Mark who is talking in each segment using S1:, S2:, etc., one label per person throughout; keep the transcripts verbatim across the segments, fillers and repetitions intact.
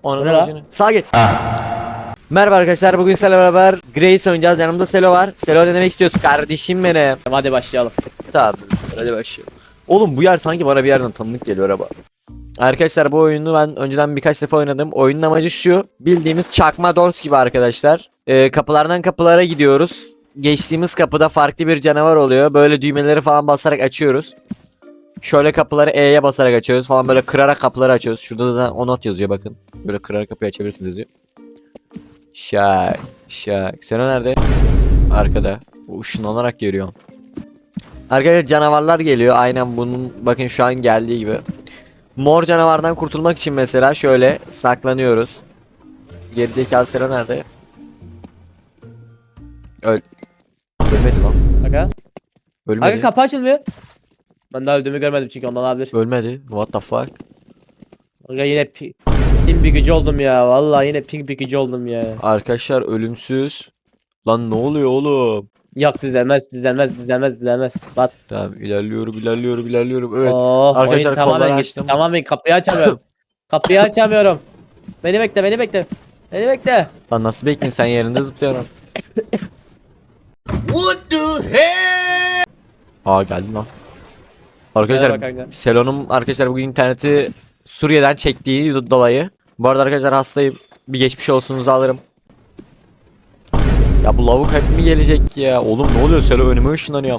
S1: Onun
S2: Ne la?
S1: ucunu. Sağa git. Merhaba arkadaşlar, bugün sizlerle beraber Grace oynayacağız. Yanımda Selo var. Selo, ne demek istiyorsun kardeşim benim?
S2: Hadi başlayalım.
S1: Tamam, hadi başlayalım. Oğlum bu yer sanki bana bir yerden tanıdık geliyor araba. Arkadaşlar bu oyunu ben önceden birkaç defa oynadım. Oyunun amacı şu: bildiğimiz çakma doors gibi arkadaşlar. Ee, kapılardan kapılara gidiyoruz. Geçtiğimiz kapıda farklı bir canavar oluyor. Böyle düğmeleri falan basarak açıyoruz. Şöyle kapıları E'ye basarak açıyoruz falan, böyle kırarak kapıları açıyoruz. Şurada da o not yazıyor, bakın. Böyle kırarak kapıyı açabilirsiniz yazıyor. Şak şak. Seno nerede? Arkada. O ışınlanarak geliyor. Arkadaşlar canavarlar geliyor. Aynen bunun, bakın şu an geldiği gibi. Mor canavardan kurtulmak için mesela şöyle saklanıyoruz. Gerizekalı Seno nerede? Öl. Ölmedi lan.
S2: Aga.
S1: Ölmedi.
S2: Aga kapı açılmıyor. Ben daha öldüğümü görmedim çünkü ondan olabilir.
S1: Ölmedi. What the fuck?
S2: Aga yine pi ping bir gücü oldum ya. Vallahi yine ping bir gücü oldum ya.
S1: Arkadaşlar ölümsüz. Lan ne oluyor oğlum?
S2: Yok düzelmez düzelmez düzelmez düzelmez. Bas.
S1: Tamam, ilerliyorum ilerliyorum ilerliyorum. Evet.
S2: Oh,
S1: Arkadaşlar,
S2: oyun tamamen
S1: kolları
S2: gitti.
S1: açtım.
S2: Tamamen kapıyı açamıyorum. Kapıyı açamıyorum. Beni bekle beni bekle. Beni bekle.
S1: Lan nasıl bekleyeyim, sen yerinde zıplıyorsun.
S3: What the hell?
S1: Aa, geldim lan.
S2: Merhaba
S1: Arkadaşlar
S2: kanka.
S1: Selo'nun arkadaşlar bugün interneti Suriye'den çektiği do- dolayı. Bu arada arkadaşlar hastayım. Bir geçmiş olsunuzu alırım. Ya bu lavuk hep mi gelecek ya? Oğlum ne oluyor, Selo önüme ışınlanıyor.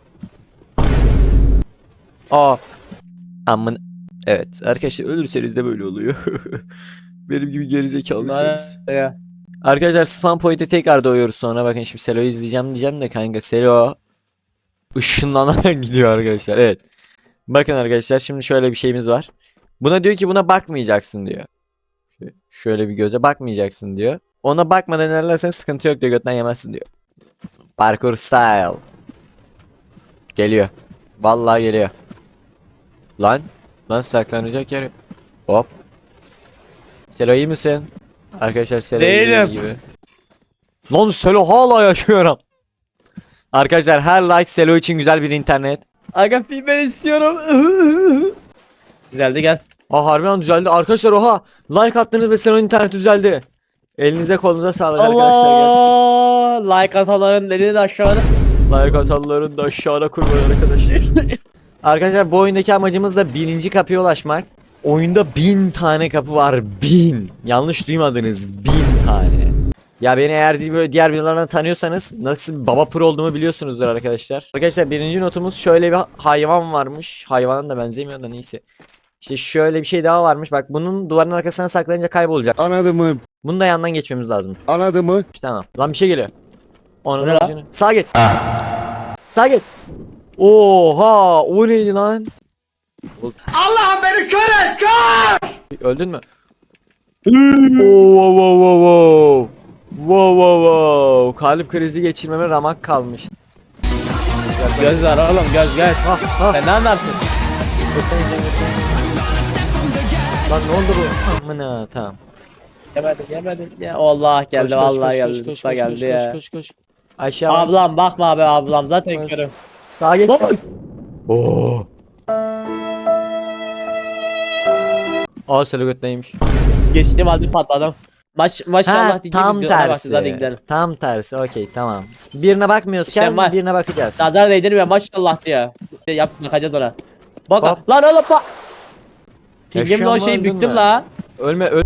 S1: Aa. Amın. Evet arkadaşlar, ölürseniz de böyle oluyor. Benim gibi gerizekalıysanız.
S2: Aga.
S1: Arkadaşlar spam point'e tekrar doğuyoruz sonra. Bakın şimdi Selo'yu izleyeceğim diyeceğim de kanka, Selo ışınlanarak gidiyor arkadaşlar. Evet. Bakın arkadaşlar, şimdi şöyle bir şeyimiz var. Buna diyor ki buna bakmayacaksın diyor. Şöyle bir göze bakmayacaksın diyor. Ona bakmadan ilerlersen sıkıntı yok diyor, götten yemezsin diyor. Parkour style. Geliyor. Vallahi geliyor. Lan. Lan saklanacak yer yok. Hop. Selo iyi misin? Arkadaşlar Selo iyi
S2: Değilim.
S1: gibi. Lan Selo hala yaşıyorum. Arkadaşlar her like Selo için güzel bir internet.
S2: Aga ping ben istiyorum. Güzeldi gel.
S1: Aa, harbiden düzeldi. Arkadaşlar oha. Like attınız ve Selo'nun internet düzeldi. Elinize kolunuza sağlık arkadaşlar.
S2: Allah! Like atanların elini de aşağıda.
S1: Gerçekten. Like atanların da aşağıda kurban arkadaşlar. Arkadaşlar bu oyundaki amacımız da bininci kapıya ulaşmak. Oyunda bin tane kapı var. Bin. Yanlış duymadınız. Bin tane. Ya beni eğer böyle diğer videolardan tanıyorsanız nasıl bir baba pro olduğumu biliyorsunuzdur arkadaşlar. Arkadaşlar birinci notumuz, şöyle bir hayvan varmış. Hayvanın da benzemiyor da neyse. İşte şöyle bir şey daha varmış. Bak, bunun duvarın arkasına saklanınca kaybolacak.
S3: Anladın mı?
S1: Bunu da yandan geçmemiz lazım.
S3: Anladın mı?
S1: İşte tamam. Lan bir şey geliyor. Onun
S2: Bu ne lan?
S1: ucunu. Sağa git. Sağa git. Oha, o neydi lan?
S3: Allah'ım beni kör et, kör!
S1: Öldün mü? Oo, wow wow wow wow. Wow wow wow. Kalp krizi geçirmeme ramak kalmış.
S2: Göz var oğlum göz göz.
S1: Ha ha.
S2: Sen ne anlarsın?
S1: Lan ne oldu bu? Amına, tamam.
S2: Yemedin yemedin ya. Allah geldi
S1: Koş, koş,
S2: vallahi
S1: koş,
S2: geldi.
S1: koş, koş,
S2: Usta
S1: koş,
S2: geldi
S1: koş,
S2: ya.
S1: Koş koş koş. Aşağı bak.
S2: Ablam bakma abi ablam zaten
S1: Koş.
S2: körüm.
S1: Sağa geç. Oo. Aa, Selo götteymiş.
S2: Geçtim halde patladım. Maş
S1: Ha,
S2: maşallah diyeceğim.
S1: tam
S2: videolara bakacağız, hadi
S1: tersi.
S2: gidelim.
S1: Tam tersi. Okey, tamam. Birine bakmıyoruzken
S2: İşte var.
S1: birine bakacağız.
S2: Nazar değdirmiyor maşallah diyor. İşte yap bakacağız ona. Bak
S1: Hop.
S2: lan oğlum bak. Pingimle
S1: Yaşıyor
S2: o
S1: mu,
S2: şeyi
S1: öldün
S2: büktüm
S1: mü?
S2: la.
S1: Ölme öl.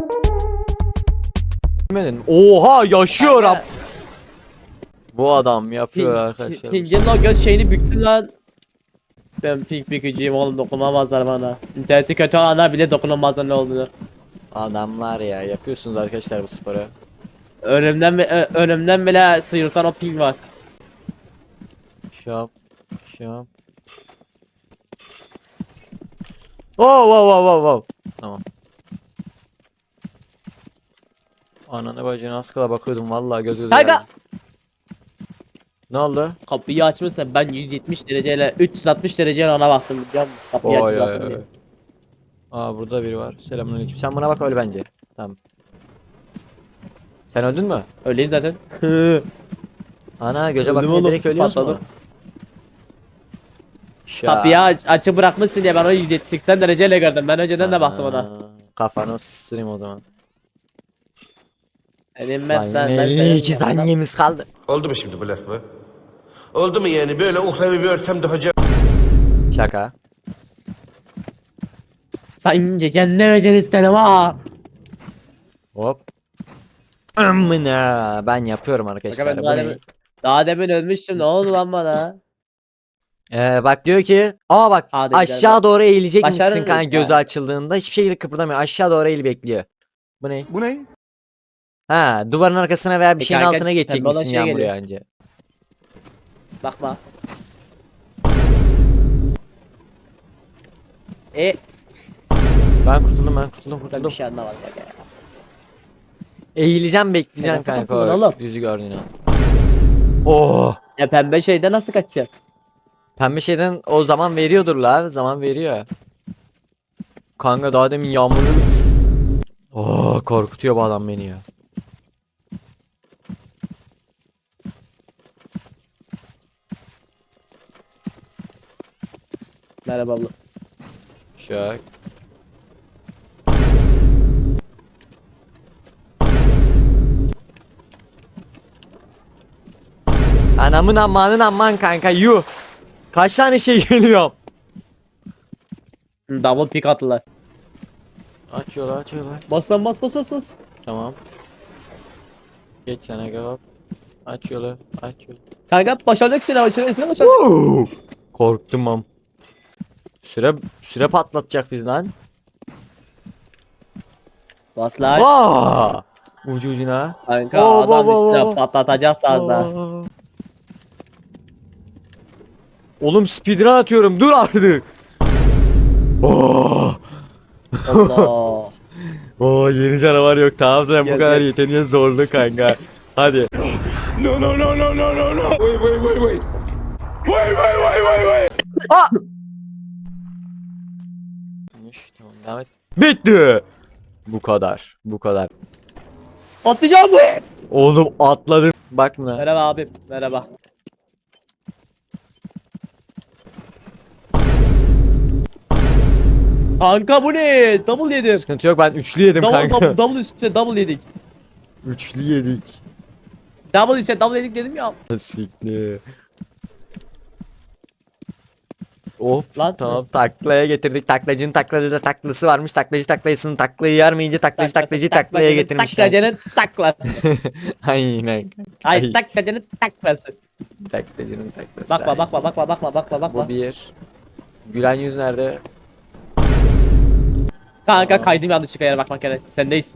S1: Ölmedin. Oha, yaşıyorum.
S2: Kanka,
S1: Bu adam yapıyor
S2: Ping,
S1: arkadaşlar.
S2: pingimle o göz şeyini büktüm lan. Ben ping bükücüyüm oğlum, dokunamazlar bana. İnterneti kötü olanlar bile dokunamazlar ne olduğunu.
S1: Adamlar ya, yapıyorsunuz arkadaşlar bu sporu.
S2: Önümden, bi- ö- önümden bile sıyrılan o ping var.
S1: Şap. Şap. Oh wow wow wow wow. Tamam. Ananı bacını az kala bakıyordum vallahi, göz göze
S2: Kanka.
S1: geldi. Ne oldu?
S2: Kapıyı açmışsın, ben yüz yetmiş dereceyle üç yüz altmış dereceyle ona baktım biliyor musun? Kapıyı
S1: Oy,
S2: açmışsın
S1: oy,
S2: diye.
S1: oy. Aa, burada biri var. Selamünaleyküm. Sen buna bak, öl bence. Tamam. Sen öldün mü?
S2: Öyleyim zaten.
S1: Ana, göze
S2: Öldüm
S1: bakınca
S2: oğlum,
S1: direkt ölüyorsun mu?
S2: patladım.
S1: Şa.
S2: Kapıyı aç, açık bırakmışsın diye ben o yüz seksen dereceyle gördüm. Ben önceden de baktım ona.
S1: Aa, Kafanı ısırayım o zaman.
S2: Elim
S1: Lan
S2: ben
S1: yine
S2: ben
S1: elli iki saniyemiz kaldı.
S3: Oldu mu şimdi bu laf mı? Oldu mu yani böyle uhrevi bir ortamda hocam?
S1: Şaka.
S2: Sanki kendine beceri istedim ha.
S1: Hop. Amına ben yapıyorum arkadaşlar.
S2: ben
S1: Bu
S2: daha
S1: ne?
S2: demin, daha demin ölmüştüm, ne oldu lan bana?
S1: Ee, bak diyor ki aa bak
S2: Hadi
S1: aşağı
S2: gidelim.
S1: doğru eğilecek misin
S2: Başarırız
S1: kanka gözü
S2: yani.
S1: açıldığında hiçbir şekilde kıpırdamıyor. Aşağı doğru eğil bekliyor. Bu ne?
S4: Bu ne?
S1: Ha duvarın arkasına veya bir
S2: E
S1: şeyin
S2: kanka,
S1: altına geçecek
S2: pembe olan
S1: misin
S2: şey
S1: yağmur
S2: geliyor.
S1: yağınca?
S2: Bakma. E
S1: Ben kurtuldum ben kurtuldum
S2: ben bir
S1: kurtuldum.
S2: şey anlamadım ya.
S1: Eğileceğim bekleyeceğim
S2: nasıl
S1: kanka
S2: kurtuldun
S1: o
S2: oğlum?
S1: yüzü gördüğün an. Oh.
S2: Ya pembe şeyde nasıl kaçacak?
S1: Pembe şeyden o zaman veriyordur la zaman veriyor. Kanka daha demin yağmurlu. Oh korkutuyor bu adam beni ya.
S2: Merhaba abla.
S1: Şak. Anamın amanın aman kanka yuh. Kaç tane şey geliyor.
S2: Hı, double pick attılar.
S1: Açıyorlar açıyorlar.
S2: Bas lan bas bas bas bas.
S1: Tamam. Geç sana gel. Açıyorlar açıyorlar.
S2: Kanka başardık süre başardık süre başardık.
S1: Woo! Korktum am. Süre süre patlatacak biz lan.
S2: Bas lan.
S1: Vaa! Ucu ucuna.
S2: Kanka
S1: Oo,
S2: adam
S1: oo, oo,
S2: üstüne
S1: oo.
S2: patlatacak da az daha.
S1: Aa. Oğlum speedrun atıyorum. Dur artık. Oh!
S2: Allah.
S1: Oo yeni canavar yok. Tamam sen bu
S2: Gel,
S1: kadar
S2: gel.
S1: yeteneğe zorlu kanka. Hadi.
S4: No no no no no no no. Wait wait wait wait. Wait wait wait wait wait.
S1: Aa! Tamam devam et. Bitti. Bu kadar. Bu kadar.
S2: Atlayacağım bu.
S1: Oğlum atladın. Bak buna.
S2: Merhaba abim. Merhaba. Kanka bu ne? Double yedim.
S1: Sıkıntı yok ben üçlü yedim
S2: Double
S1: kanka.
S2: double double üstüne double yedik.
S1: Üçlü yedik.
S2: Double üstüne double yedik dedim ya.
S1: Sikli. Hop
S2: Lan.
S1: tamam taklaya getirdik. Taklacının takladı da taklası varmış. Taklacı taklayısının taklayı yarmayınca taklacı taklacıyı taklaya getirmiş.
S2: Taklacının taklası.
S1: Aynen.
S2: Ay
S1: Ay.
S2: taklacının taklası.
S1: Taklacının taklası.
S2: Bakma
S1: aynen.
S2: bakma bakma bakma bakma bakma.
S1: Bu bir. Gülen yüz nerede?
S2: Kanka
S1: Aa.
S2: kaydım yanlışlıkla yere bakmak gerek. Sendeyiz.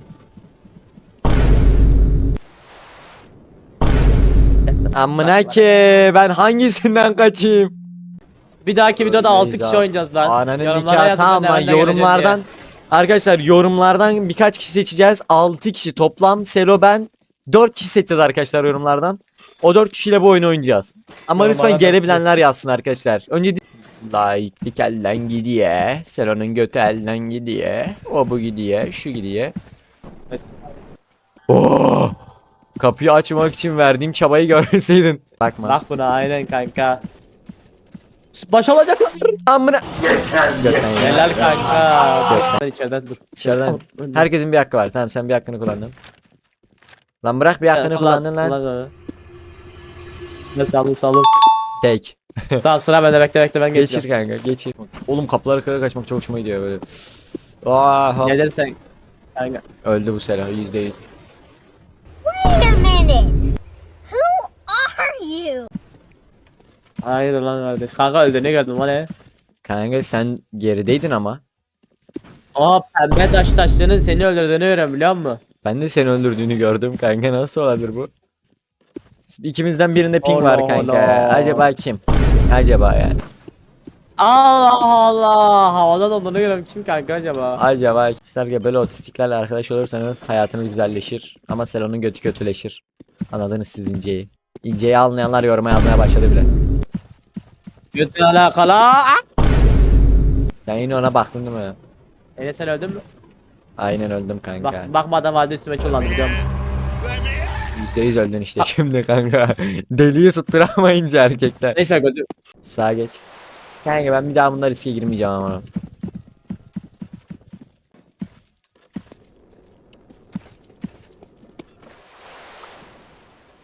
S1: Amına ki ben hangisinden kaçayım?
S2: Bir dahaki videoda altı
S1: Öyleyiz
S2: kişi
S1: abi.
S2: oynayacağız lan.
S1: Ananın
S2: Yorumlara
S1: nikahı
S2: yazın,
S1: tamam
S2: ben
S1: mı?
S2: nereden geleceğim
S1: Yorumlardan arkadaşlar yorumlardan birkaç kişi seçeceğiz. altı kişi toplam Selo ben dört kişi seçeceğiz arkadaşlar yorumlardan. O dört kişiyle bu oyunu oynayacağız. Ama
S2: Yorumlara
S1: lütfen
S2: bekliyorum.
S1: gelebilenler yazsın arkadaşlar. Önce laiklik elden gidiyor. Selo'nun götü elden gidiyor. O bu gidiyor. Şu gidiyor.
S2: Evet.
S1: Oh! Kapıyı açmak için verdiğim çabayı görseydin. Bakma.
S2: Bak buna aynen kanka. Baş alacaklar.
S1: Amına. Götten ya.
S2: Helal kanka. Ben içeriden dur.
S1: Dışarıdan. Herkesin bir hakkı var. Tamam sen bir hakkını kullandın. Lan bırak bir hakkını kullandın lan.
S2: Ne salın salın.
S1: Tek.
S2: Tamam sıra bende, bekle bekle ben
S1: Geçir
S2: geçeceğim.
S1: kanka geçir. Oğlum kapıları kırarak kaçmak çok hoşuma gidiyor böyle. Aa,
S2: Gelirsen. Kanka.
S1: öldü bu selah yüzde yüz.
S5: Wait a minute. Who are you?
S2: Hayır lan kardeş. Kanka öldü, ne gördün lan ne?
S1: Kanka sen gerideydin ama.
S2: Aa pembe taş taşlarının seni öldürdüğünü görüyorum biliyor musun?
S1: Ben de seni öldürdüğünü gördüm kanka nasıl olabilir bu? İkimizden birinde ping
S2: Allah
S1: var kanka.
S2: Allah.
S1: Acaba kim? Acaba yani.
S2: Allah Allah. Havadan olduğunu görüyorum, kim kanka acaba?
S1: Acaba arkadaşlar böyle otistiklerle arkadaş olursanız hayatınız güzelleşir. Ama Selo'nun götü kötüleşir. Anladınız siz inceyi. İnceyi anlayanlar yoruma yazmaya başladı bile.
S2: Götün alakalı. Ah!
S1: Sen yine ona baktın değil mi?
S2: Enes sen öldün mü?
S1: Aynen öldüm kanka.
S2: Bak, bakmadan halde üstüme çullandı biliyor musun?
S1: yüzde yüz öldün işte şimdi kanka. Deliyi tutturamayınca erkekler.
S2: Neyse gözüm.
S1: Sağa geç. Kanka ben bir daha bunlar riske girmeyeceğim ama.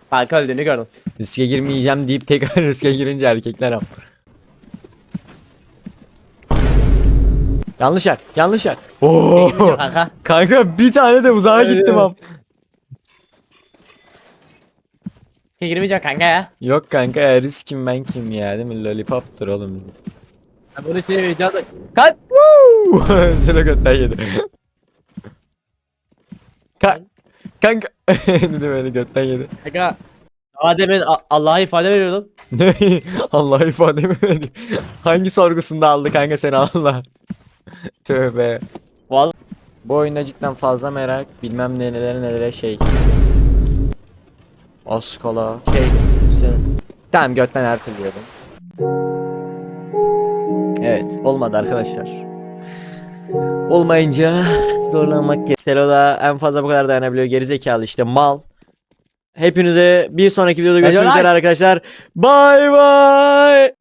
S2: Kanka öldüğünü gördüm.
S1: Riske girmeyeceğim deyip tekrar riske girince erkekler am. Yanlış yer. Yanlış yer. Oo.
S2: Kanka.
S1: Kanka bir tane de uzağa
S2: Öyle
S1: gittim
S2: mi?
S1: am.
S2: Riske girmeyeceğim kanka ya.
S1: Yok kanka ya risk kim ben kim ya değil mi? Lollipop'tur oğlum.
S2: Ben bunu şey vereceğim. Kaç.
S1: Sıra götten yedi. Ka kanka. Dedim öyle götten yedi.
S2: Kanka. Adem'in A- Allah'a ifade veriyordum.
S1: Ne? Allah ifademi veriyor. Hangi sorgusunda aldı kanka seni Allah? Tövbe.
S2: Vallahi.
S1: Bu oyunda cidden fazla merak. Bilmem ne nelere nelere şey. Oskala.
S2: Şey. Şey.
S1: Tamam götten her türlü yedim. Evet olmadı arkadaşlar. Olmayınca zorlanmak gerek. Selo'da en fazla bu kadar dayanabiliyor. Gerizekalı işte mal. Hepinize bir sonraki videoda görüşmek
S2: Helal.
S1: üzere arkadaşlar. Bay bay.